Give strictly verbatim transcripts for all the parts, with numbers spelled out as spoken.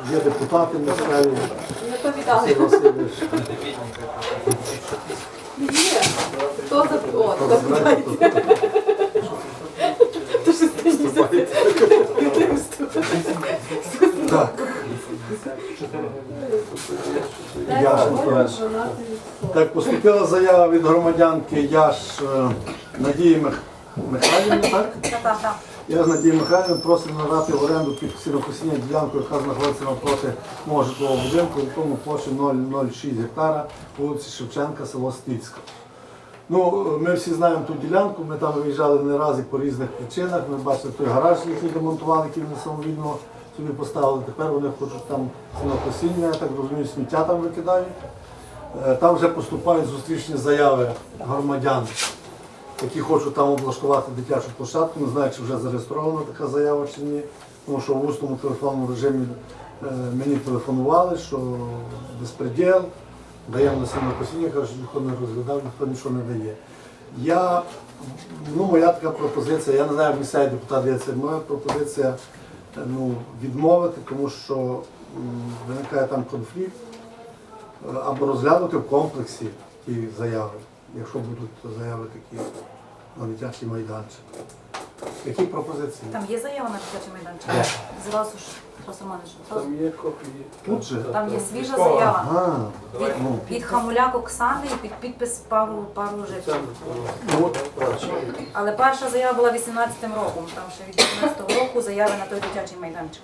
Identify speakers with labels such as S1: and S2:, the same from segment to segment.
S1: є депутати місцеві.
S2: Не повідали.
S1: Василь Васильович.
S2: Є. Хто за... О, хто питається. Ти ж
S1: Так. Яш, так, поступила заява від громадянки Яш е, Надії Мих... Михайлівни, так?
S2: Так, так.
S1: Я з Надією Михайлівною просимо надати в оренду під сінокосіння ділянку, яка знаходиться навпроти мого житлового будинку, в якому площі нуль нуль шість гектара, вулиці Шевченка, село Стицько. Ну, ми всі знаємо ту ділянку, ми там виїжджали не раз і по різних причинах. Ми бачили той гараж, який демонтували, який вони самовільно собі поставили. Тепер вони хочуть там сінокосіння, я так розумію, сміття там викидають. Е, Там вже поступають зустрічні заяви громадян, які хочуть там облаштувати дитячу площадку. Не знаю, чи вже зареєстрована така заява чи ні. Тому що в усному телефонному режимі е, мені телефонували, що безпреділ, даємо на сінокосіння, кажуть, що ніхто не розглядав, ніхто нічого не дає. Я, ну, моя така пропозиція, я не знаю, як місцевий депутат дивиться, моя пропозиція ну, відмовити, тому що м, виникає там конфлікт, е, або розглянути в комплексі ті заяви, якщо будуть заяви такі на дитячий майданчик. Які пропозиції?
S2: Там є заява на дитячий майданчик?
S1: Є.
S2: Зразу ж, Тарас Романович, зразу.
S3: Там є копії.
S1: Тут же?
S2: Там є свіжа заява.
S1: Ага.
S2: Від,
S1: Ну.
S2: від Хамуляк Оксани і під підпис пару, пару жителів.
S1: Ну,
S2: Але перша заява була вісімнадцятим роком. Там ще від вісімнадцятого року заяви на той дитячий майданчик.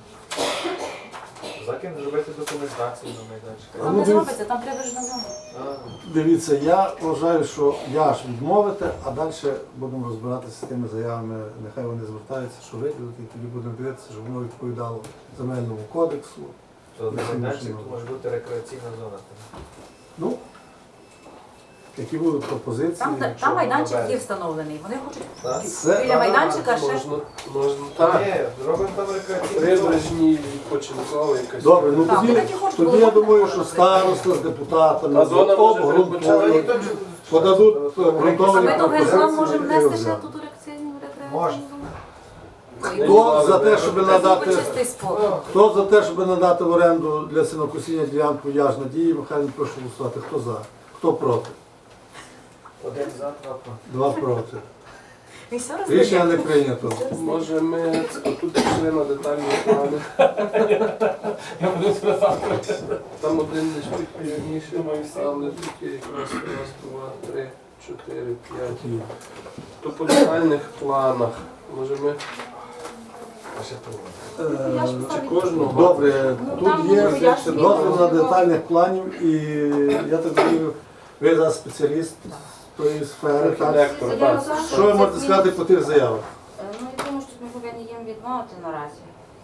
S4: Закін зробити документацію на майданчик.
S1: А
S2: Там
S1: ну,
S2: не
S1: дивіться.
S2: зробиться, там прибережна зона.
S1: дивіться, я вважаю, що я ж відмовити, а далі будемо розбиратися з тими заявами. Нехай вони звертаються, що виділити, і тоді будемо дивитися, щоб воно відповідало земельному кодексу.
S4: То на майданчик то може бути рекреаційна зона.
S1: Ну, які будуть пропозиції?
S2: Там,
S4: якщо
S2: там майданчик
S4: воно
S2: є
S4: без.
S2: встановлений. Вони хочуть
S4: Так?
S1: Це-
S2: біля майданчика ще.
S3: Можна, можна
S4: Так.
S3: так.
S4: Ні, зробимо там рекреаційну зону.
S3: Прибережні, відпочинкові якась.
S1: Добре, ну
S2: Так,
S1: тоді,
S2: ми такі хочемо,
S1: тоді я
S2: було
S1: думаю,
S2: б
S1: що
S2: добре.
S1: староста з депутатами
S3: А зона може
S1: обґрунтують,
S3: передбачати-
S1: подадуть
S2: А
S1: ґрунтовні
S2: ми до Генплан
S1: пропозиції.
S2: можемо
S1: і
S2: внести ще
S1: розглянути.
S2: тут рекреаційну
S4: Можна.
S2: зону?
S1: Хто за те, щоб надати,
S2: Чистий спорт.
S1: хто за те, щоб надати в оренду для сінокосіння ділянку Яж Надії, Михайло, прошу голосувати. Хто за? Хто проти?
S4: Один за, два проти.
S1: Два проти.
S2: Він все
S1: Рішення
S2: роздає.
S1: не прийнято.
S3: Може ми тут пішли на детальні плани. Там один десь чуть пізніше, але тут є якраз раз, два, три, чотири, п'ять. То по детальних планах. Може ми
S4: А ще того.
S1: Е,
S3: чи кожного?
S1: Добре,
S2: Ну,
S1: тут
S2: там
S1: є
S2: воно пояснює,
S1: дозвіл на
S2: що-
S1: детальних планів і я так розумію, ви зараз спеціаліст з тої сфери. Так?
S3: Архітектор,
S5: Заява
S3: так.
S5: за,
S1: Що ви можете сказати по тих заявах?
S5: Е, Ну, я думаю, що ми повинні їм відмовити наразі,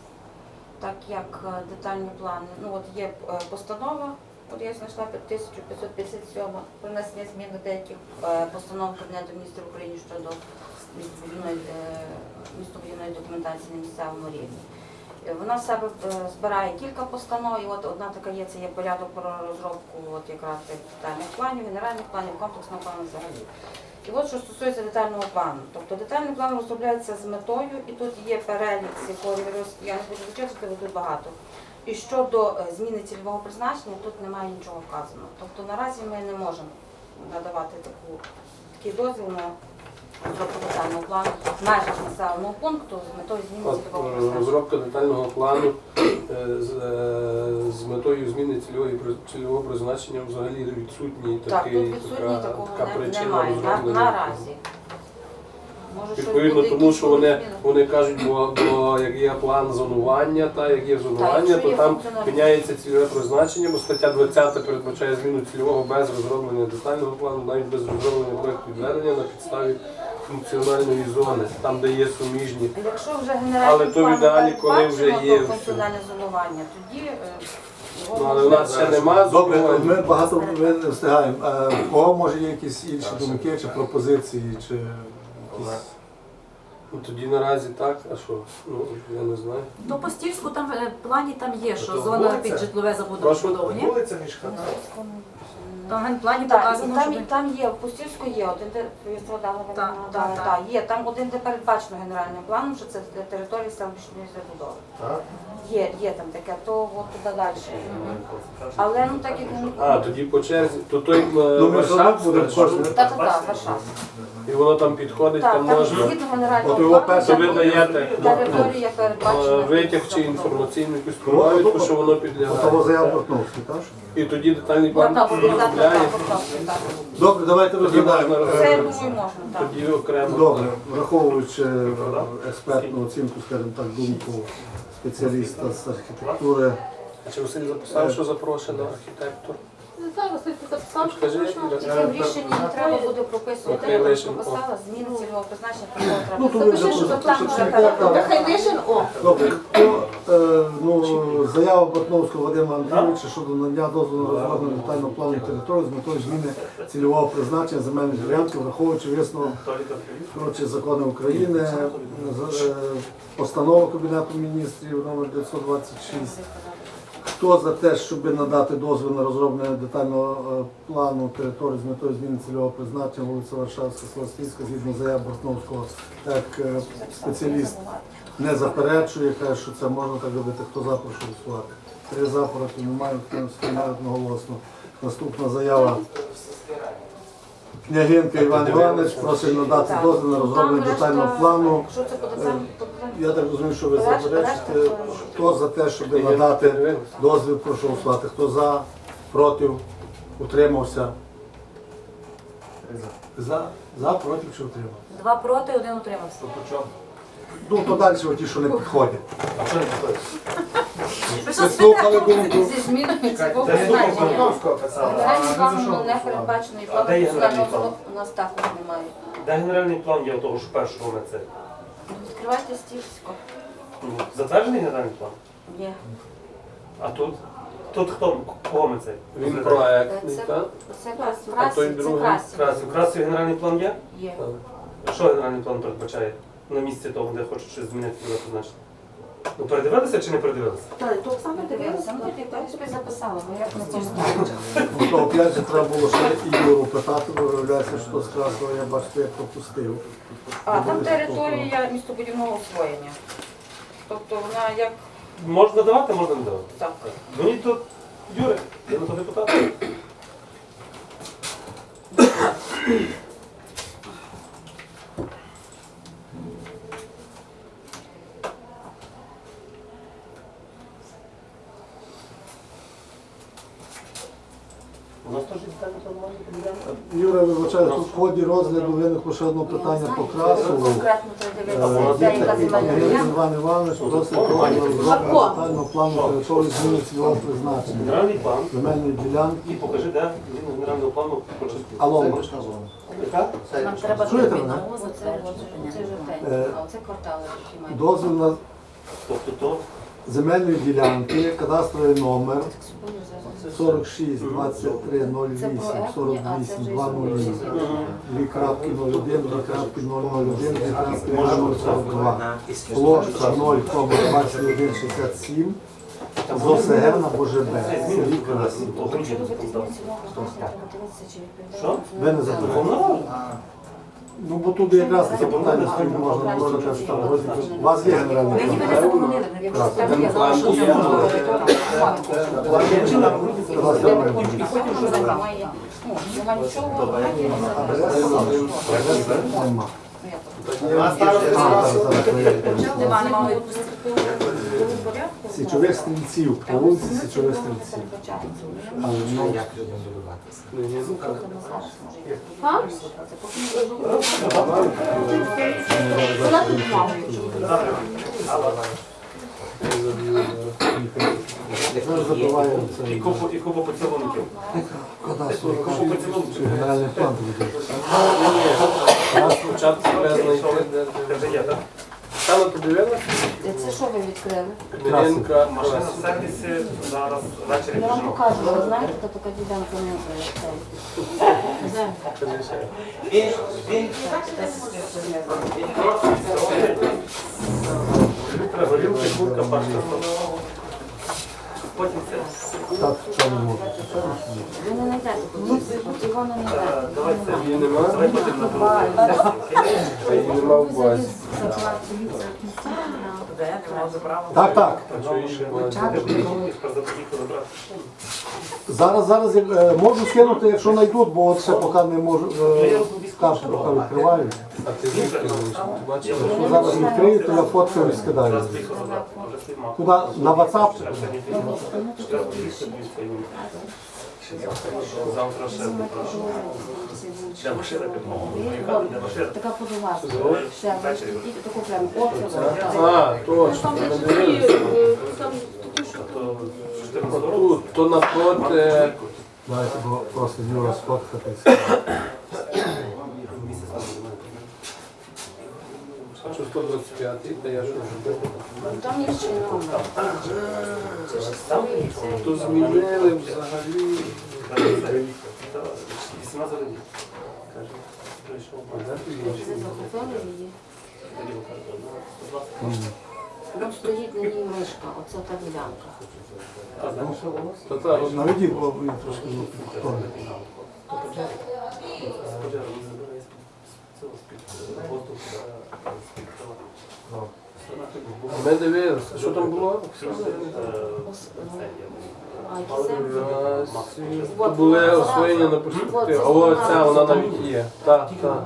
S5: так як е, детальні плани. Ну, от є е, постанова, от я знайшла тисяча п'ятсот п'ятдесят сім про внесення змін до деяких е, постанов Кабінету міністрів України щодо містобудівної е, містобудівної документації на місцевому рівні. Е, Вона в себе е, збирає кілька постанов, і от одна така є, це є порядок про розробку от якраз цих детальних планів, генеральних планів, комплексного плану взагалі. І от що стосується детального плану. Тобто детальний план розробляється з метою, і тут є перелік, з якого я не буду зачитувати, бо тут багато. І щодо е, зміни цільового призначення, тут немає нічого вказано. Тобто наразі ми не можемо надавати таку, такий дозвіл на розробку детального плану в межах населеного пункту з метою зміни
S3: От,
S5: цільового
S3: е,
S5: призначення.
S3: розробка детального плану е, з, е, з метою зміни цільової при- цільового призначення взагалі відсутній
S5: Так,
S3: такий,
S5: тут відсутній
S3: така,
S5: такого
S3: така
S5: не-
S3: причина
S5: немає на,
S3: розроблення.
S5: наразі. Може, щось
S3: Відповідно,
S5: буде,
S3: тому
S5: якісь
S3: що вони,
S5: зміни.
S3: вони кажуть, бо, бо як є план зонування, та як є зонування,
S5: якщо
S3: то
S5: є
S3: там
S5: функціональність.
S3: міняється цільове призначення, бо стаття двадцята передбачає зміну цільового без розроблення детального плану, навіть без розроблення проєкту відведення на підставі функціональної зони, там де є суміжні.
S5: Якщо вже
S3: Але
S5: генеральний
S3: то
S5: план
S3: в ідеалі, коли вже
S5: передбачено
S3: є
S5: то
S3: все.
S5: функціональне зонування, тоді е, його
S3: Ну, але
S5: можна-
S3: у нас ще немає
S1: Добре,
S3: зонування.
S1: ми багато ми не встигаємо. А у кого може є якісь інші думки чи пропозиції, чи якісь...
S3: Ну, тоді наразі так, а що? Ну, я не знаю.
S2: То по Стільську там е, плані там є, що
S4: То
S2: зона
S4: вулиця?
S2: під житлове
S3: Прошу?
S2: забудовування.
S4: Вулиця між хатами.
S2: Там в генплані
S5: Так, і
S2: показано,
S5: там,
S2: що
S5: і там є, в Пустівську є один, де Вістра дала
S2: Так,
S5: так,
S2: так, так.
S5: є, там один, де передбачено генеральним планом, що це територія селищної забудови.
S4: Так?
S5: Є, є там таке, то от туди далі. Але ну так як ну,
S3: А, тоді по черзі, то той
S1: Ну, ми ж
S3: Варшав
S1: буде кожен.
S5: та та та Варшава.
S3: і воно там підходить,
S5: Так,
S3: там
S5: там
S3: можна.
S5: згідно генерального
S1: От його
S5: плану,
S1: перше
S3: ви даєте
S5: територія
S3: е,
S5: передбачена.
S3: витяг чи інформаційну якусь провідку, що воно
S1: Того
S3: підлягає.
S1: заяв Бортновський, так?
S3: І тоді детальний
S5: Ну,
S3: план
S5: так, так, так,
S3: розробляє,
S5: так, так.
S1: Добре, давайте
S3: тоді
S1: розглядаємо.
S3: можна
S5: Це, я
S1: Е,
S5: думаю, можна, так.
S3: тоді окремо.
S1: Добре, враховуючи е, експертну оцінку, скажімо так, думку спеціаліста з архітектури.
S3: А чи Василь записав, що запрошено архітектор?
S6: Зараз ти записав,
S3: Скажи,
S6: що точно.
S3: Іра.
S5: Тільки в рішенні не треба буде прописувати,
S3: Окей,
S5: я там
S3: лишимо.
S5: прописала, зміни цільового призначення, такого
S1: Ну,
S5: треба.
S1: то ви
S6: Запиши, що
S1: запишете,
S6: там
S1: що
S6: вже
S1: це
S6: так.
S1: так.
S6: Нехай лишень, о.
S1: Добре, хто, е, ну, заява Бортновського Вадима Андрійовича щодо надання дозволу на розроблення детального плану території з метою зміни цільового призначення земельних ділянків, враховуючи висновок коротше, закони України, з- е, постанова Кабінету міністрів номер дев'ятсот двадцять шість. Хто за те, щоб надати дозвіл на розроблення детального е, плану території з метою зміни цільового призначення вулиця Варшавська, село Стільська, згідно заяв Бортновського, як е, спеціаліст не заперечує, каже, що це можна так робити. Хто за, прошу голосувати. Три за, проти немає, хто сприймає одноголосно. Наступна заява. Княгинка Іван Іванович просить надати
S5: Так.
S1: дозвіл на розроблення
S5: Там
S1: детального
S5: решта-
S1: плану.
S5: Що це буде там?
S1: Я так розумію, що ви
S5: Решта-
S1: заперечите.
S5: решта-
S1: Хто за те, щоб надати дозвіл, прошу голосувати. Хто за, проти, утримався? За, за, проти чи утримався?
S2: Два проти, один утримався.
S1: Ну, то далі ті, що не підходять.
S2: Ви
S1: Ви слухали думку?
S5: Зі змінами цього
S4: Та я думав,
S5: призначення.
S4: Бортновського писав.
S5: Генеральний план не передбачений,
S4: А де є генеральний план?
S5: плану у нас також немає.
S7: Де генеральний план є у того ж першого на це?
S5: Відкривайте стільсько.
S7: Ну, затверджений генеральний план?
S5: Є.
S7: А тут? Тут хто? Кого ми це?
S3: Він
S7: розглядаємо?
S3: проектний,
S5: Це,
S3: так?
S5: це
S3: А
S5: красі,
S3: той
S5: це
S3: другий?
S5: красі.
S7: Красів. Красів генеральний план є?
S5: Є.
S7: Що генеральний план передбачає? На місці того, де хочуть щось змінити, куди позначити? Ну передивилися чи не передивилися?
S6: Так, то Оксана
S5: Дивилася, ну я так собі записала, бо як на цьому ставити.
S1: Ну, то опять же треба було ще Ігору питати, бо виявляється, що з Красного я бачите, я пропустив.
S5: А там територія містобудівного освоєння. Тобто вона як
S7: Можна давати, можна не давати.
S5: так.
S7: Дзвоніть тут, Юрій, я на то депутат. У нас теж є детальний план має поділянка?
S1: Юра, вибачаю, тут в ході розгляду виникло ще одне питання по Красову.
S5: Конкретно треба
S1: Е,
S5: дивитися, де яка
S1: Віктор
S5: земельна ділянка.
S1: Іван Іванович просить розробити детального плану території зміни цільового призначення.
S7: Генеральний план.
S1: Земельної ділянки.
S7: І покажи, де він генерального плану хоче.
S1: Алло.
S7: Яка?
S5: Нам треба
S1: Чуєте
S5: зробити
S1: мене?
S5: оце, оце жовтеньке,
S1: Е,
S5: а оце квартали, які мають.
S1: Дозвіл на
S7: Тобто то
S1: земельної ділянки, кадастровий номер сорок шість двадцять три нуль вісім сорок вісім два нуль дві крапки нуль один, дві крапки нуль нуль один, дві крапки нуль сорок два. Площа нуль двадцять один шістдесят сім. З ОСГ на БЖБ. Селі Красів.
S5: Якщо робити зміни цільового призначення, треба дивитися, чи відповідає.
S7: Що?
S1: Ви не запитали? Ну, бо тут якраз таке питання стоїть, можна, можна казати, що там розвитку. У вас є генеральний
S2: Ви ніби не
S1: план?
S2: заборонили, якщо
S1: Так.
S2: треба, я знала, що це
S3: План
S2: можна
S3: є.
S2: робити.
S1: Кадастровий
S5: І потім вже немає, ну, немає нічого, немає
S1: Нема.
S4: А старости
S1: А, зараз,
S4: Красу?
S1: зараз, перевіримо.
S2: Нема, нема відпустити.
S1: Січових стрільців, по вулиці Січових стрільців. Але, ну,
S6: А? Вона тут мала.
S1: зараз забуваємо це.
S7: і купу, і купу поцілунків.
S1: Кадастровий чи генеральний план буде.
S3: Нас спочатку треба знайти, де
S7: Це вже є, так?
S3: Саме подивилися?
S5: Це що ви відкрили?
S3: Княгинка
S7: Машина
S3: Красів.
S7: в сервісі зараз ввечері
S5: Я вам
S7: біжимо.
S5: покажу, ви знаєте, хто така ділянка не
S7: Літра горілки, курка, пашка. потім це.
S1: Так, в чому можна?
S5: Ви не знайдете, от його не
S7: Е,
S5: знайдете.
S7: Давай це.
S3: Її нема?
S7: Давай потім на другу.
S3: А її нема в базі.
S2: Де? Нема забрала.
S1: Так, так.
S3: А чого її в базі?
S7: Тепер заподіху забрати.
S1: Зараз, зараз як, е, можу скинути, якщо знайдуть, бо от ще поки не можу, е, карту поки відкриваю.
S3: А ти звідки знаєш? Ти бачиш?
S1: Якщо зараз відкрию, то я фоткаю і скидаю.
S7: Зараз поїхав забрати. Вже свій мав.
S1: Куди? На WhatsApp?
S7: Завтра ще попрошу. Де машина підмова? Де машина?
S6: Така подова. Ще діти таку прям оцю.
S3: А, точно.
S6: Там
S3: я не
S6: десь
S3: дивився.
S6: три, там такі що.
S7: То чотирнадцятого року.
S3: Тут, то напроти.
S1: Давайте бо просто Юра сфоткати.
S7: Місяць назад до мене.
S3: Що сто двадцять п'ятий, та я що вже.
S5: Там інший номер. Це ж
S7: Там
S5: старий,
S7: нічого.
S5: це-
S3: То змінили взагалі.
S7: вісімнадцять років. Каже, прийшов.
S3: А де ти
S5: Це
S3: інший?
S5: захопили її.
S7: Тоді каже, на сто двадцять.
S5: Там стоїть на ній мишка, оце та ділянка.
S7: А знаєш, що воно?
S3: Та та, от
S1: Наведіть, бо він трошки ну, підходить.
S7: Пожежа не забирає з цього з-під воздуху, з-під крила.
S3: ми дивилися. Що там було?
S5: А які землі?
S3: То були освоєння на перспективі. О, ця вона навіть є. Так, так.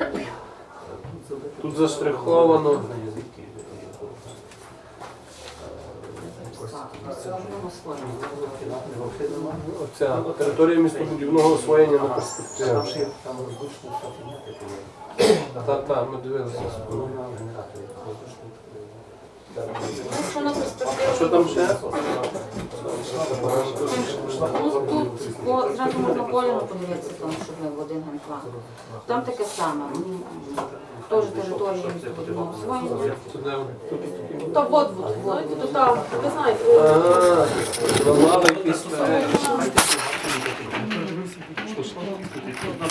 S3: Тут заштриховано.
S5: Це воно освоєно.
S3: Оця територія містобудівного освоєння на перспективі. Та, та, ми дивилися.
S5: Якщо на перспективу,
S3: Що там ще?
S5: ну тут по, зразу можна Коліну подивитися, там, щоб ми в один генплан. Там таке саме. Теж територія містобудівного освоєння.
S6: Та вот, вот, вот. То там, ви знаєте,
S3: Ага, ламали якісь.